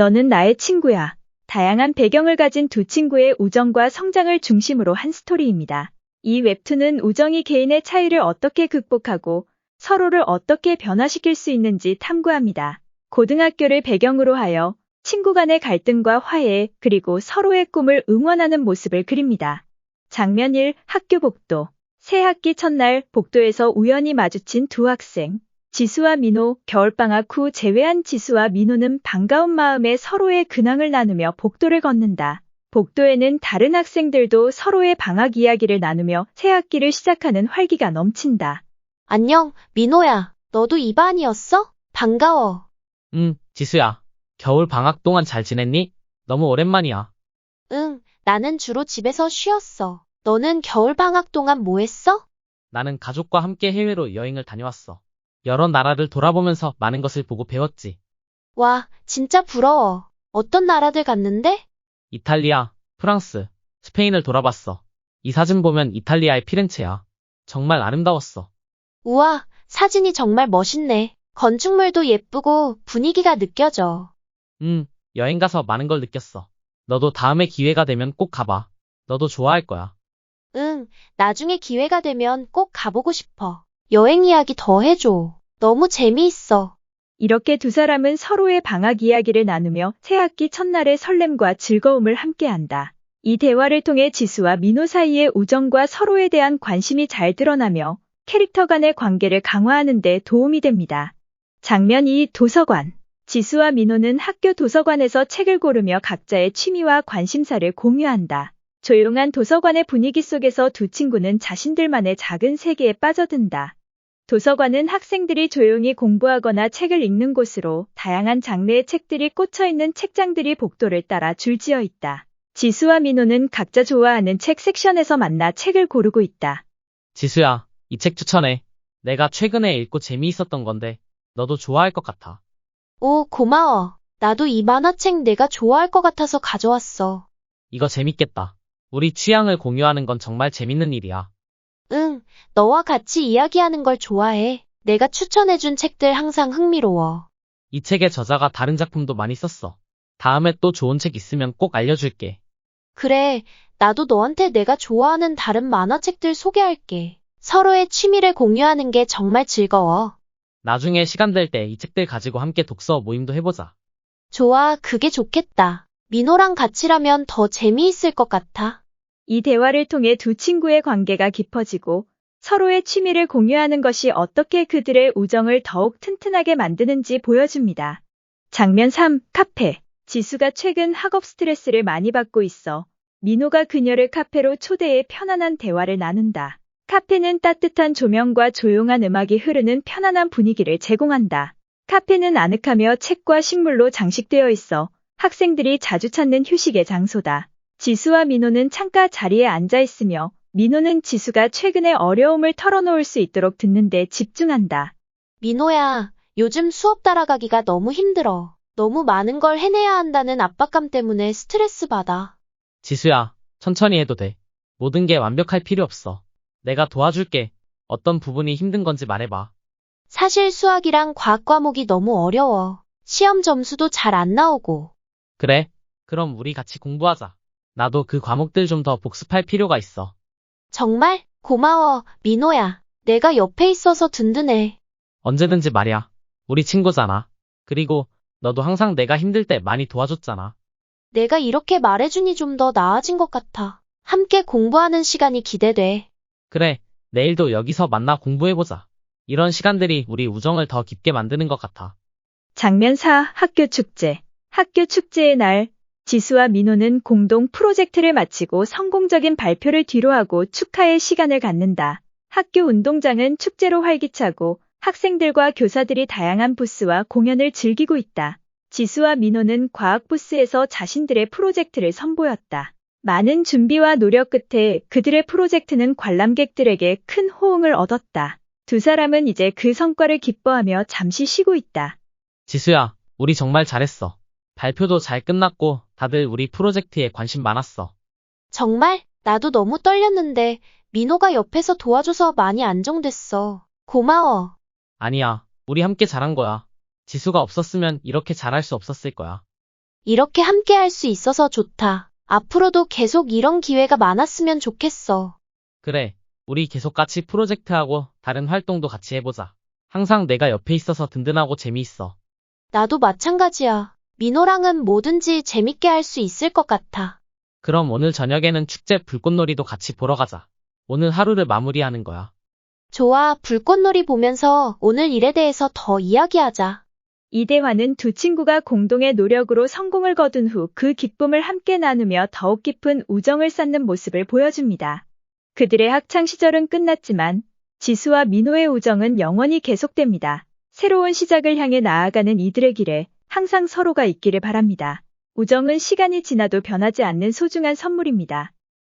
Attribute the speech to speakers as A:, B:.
A: 너는 나의 친구야. 다양한 배경을 가진 두 친구의 우정과 성장을 중심으로 한 스토리입니다. 이 웹툰은 우정이 개인의 차이를 어떻게 극복하고 서로를 어떻게 변화시킬 수 있는지 탐구합니다. 고등학교를 배경으로 하여 친구 간의 갈등과 화해, 그리고 서로의 꿈을 응원하는 모습을 그립니다. 장면 1. 학교 복도. 새 학기 첫날 복도에서 우연히 마주친 두 학생. 지수와 민호. 겨울방학 후 재회한 지수와 민호는 반가운 마음에 서로의 근황을 나누며 복도를 걷는다. 복도에는 다른 학생들도 서로의 방학 이야기를 나누며 새 학기를 시작하는 활기가 넘친다.
B: 안녕, 민호야. 너도 이 반이었어? 반가워.
C: 지수야. 겨울 방학 동안 잘 지냈니? 너무 오랜만이야.
B: 응, 나는 주로 집에서 쉬었어. 너는 겨울 방학 동안 뭐 했어?
C: 나는 가족과 함께 해외로 여행을 다녀왔어. 여러 나라를 돌아보면서 많은 것을 보고 배웠지.
B: 와, 진짜 부러워. 어떤 나라들 갔는데?
C: 이탈리아, 프랑스, 스페인을 돌아봤어. 이 사진 보면 이탈리아의 피렌체야. 정말 아름다웠어.
B: 우와, 사진이 정말 멋있네. 건축물도 예쁘고 분위기가 느껴져.
C: 여행 가서 많은 걸 느꼈어. 너도 다음에 기회가 되면 꼭 가봐. 너도 좋아할 거야.
B: 응, 나중에 기회가 되면 꼭 가보고 싶어. 여행 이야기 더 해줘. 너무 재미있어.
A: 이렇게 두 사람은 서로의 방학 이야기를 나누며 새 학기 첫날의 설렘과 즐거움을 함께한다. 이 대화를 통해 지수와 민호 사이의 우정과 서로에 대한 관심이 잘 드러나며 캐릭터 간의 관계를 강화하는 데 도움이 됩니다. 장면 2. 도서관. 지수와 민호는 학교 도서관에서 책을 고르며 각자의 취미와 관심사를 공유한다. 조용한 도서관의 분위기 속에서 두 친구는 자신들만의 작은 세계에 빠져든다. 도서관은 학생들이 조용히 공부하거나 책을 읽는 곳으로 다양한 장르의 책들이 꽂혀있는 책장들이 복도를 따라 줄지어 있다. 지수와 민호는 각자 좋아하는 책 섹션에서 만나 책을 고르고 있다.
C: 지수야, 이 책 추천해. 내가 최근에 읽고 재미있었던 건데, 너도 좋아할 것 같아.
B: 오, 고마워. 나도 이 만화책 내가 좋아할 것 같아서 가져왔어.
C: 이거 재밌겠다. 우리 취향을 공유하는 건 정말 재밌는 일이야.
B: 응, 너와 같이 이야기하는 걸 좋아해. 내가 추천해준 책들 항상 흥미로워.
C: 이 책의 저자가 다른 작품도 많이 썼어. 다음에 또 좋은 책 있으면 꼭 알려줄게.
B: 그래, 나도 너한테 내가 좋아하는 다른 만화책들 소개할게. 서로의 취미를 공유하는 게 정말 즐거워.
C: 나중에 시간 될 때 이 책들 가지고 함께 독서 모임도 해보자.
B: 좋아, 그게 좋겠다. 민호랑 같이라면 더 재미있을 것 같아.
A: 이 대화를 통해 두 친구의 관계가 깊어지고 서로의 취미를 공유하는 것이 어떻게 그들의 우정을 더욱 튼튼하게 만드는지 보여줍니다. 장면 3. 카페. 지수가 최근 학업 스트레스를 많이 받고 있어 민호가 그녀를 카페로 초대해 편안한 대화를 나눈다. 카페는 따뜻한 조명과 조용한 음악이 흐르는 편안한 분위기를 제공한다. 카페는 아늑하며 책과 식물로 장식되어 있어 학생들이 자주 찾는 휴식의 장소다. 지수와 민호는 창가 자리에 앉아 있으며 민호는 지수가 최근의 어려움을 털어놓을 수 있도록 듣는 데 집중한다.
B: 민호야, 요즘 수업 따라가기가 너무 힘들어. 너무 많은 걸 해내야 한다는 압박감 때문에 스트레스 받아.
C: 지수야, 천천히 해도 돼. 모든 게 완벽할 필요 없어. 내가 도와줄게. 어떤 부분이 힘든 건지 말해봐.
B: 사실 수학이랑 과학 과목이 너무 어려워. 시험 점수도 잘 안 나오고.
C: 그래? 그럼 우리 같이 공부하자. 나도 그 과목들 좀 더 복습할 필요가 있어.
B: 정말? 고마워, 민호야. 내가 옆에 있어서 든든해.
C: 언제든지 말이야. 우리 친구잖아. 그리고 너도 항상 내가 힘들 때 많이 도와줬잖아.
B: 내가 이렇게 말해주니 좀 더 나아진 것 같아. 함께 공부하는 시간이 기대돼.
C: 그래, 내일도 여기서 만나 공부해보자. 이런 시간들이 우리 우정을 더 깊게 만드는 것 같아.
A: 장면 4. 학교 축제. 학교 축제의 날, 지수와 민호는 공동 프로젝트를 마치고 성공적인 발표를 뒤로하고 축하의 시간을 갖는다. 학교 운동장은 축제로 활기차고 학생들과 교사들이 다양한 부스와 공연을 즐기고 있다. 지수와 민호는 과학 부스에서 자신들의 프로젝트를 선보였다. 많은 준비와 노력 끝에 그들의 프로젝트는 관람객들에게 큰 호응을 얻었다. 두 사람은 이제 그 성과를 기뻐하며 잠시 쉬고 있다.
C: 지수야, 우리 정말 잘했어. 발표도 잘 끝났고 다들 우리 프로젝트에 관심 많았어.
B: 정말? 나도 너무 떨렸는데 민호가 옆에서 도와줘서 많이 안정됐어. 고마워.
C: 아니야, 우리 함께 잘한 거야. 지수가 없었으면 이렇게 잘할 수 없었을 거야.
B: 이렇게 함께 할 수 있어서 좋다. 앞으로도 계속 이런 기회가 많았으면 좋겠어.
C: 그래, 우리 계속 같이 프로젝트하고 다른 활동도 같이 해보자. 항상 내가 옆에 있어서 든든하고 재미있어.
B: 나도 마찬가지야. 민호랑은 뭐든지 재밌게 할 수 있을 것 같아.
C: 그럼 오늘 저녁에는 축제 불꽃놀이도 같이 보러 가자. 오늘 하루를 마무리하는 거야.
B: 좋아, 불꽃놀이 보면서 오늘 일에 대해서 더 이야기하자.
A: 이 대화는 두 친구가 공동의 노력으로 성공을 거둔 후 그 기쁨을 함께 나누며 더욱 깊은 우정을 쌓는 모습을 보여줍니다. 그들의 학창 시절은 끝났지만 지수와 민호의 우정은 영원히 계속됩니다. 새로운 시작을 향해 나아가는 이들의 길에 항상 서로가 있기를 바랍니다. 우정은 시간이 지나도 변하지 않는 소중한 선물입니다.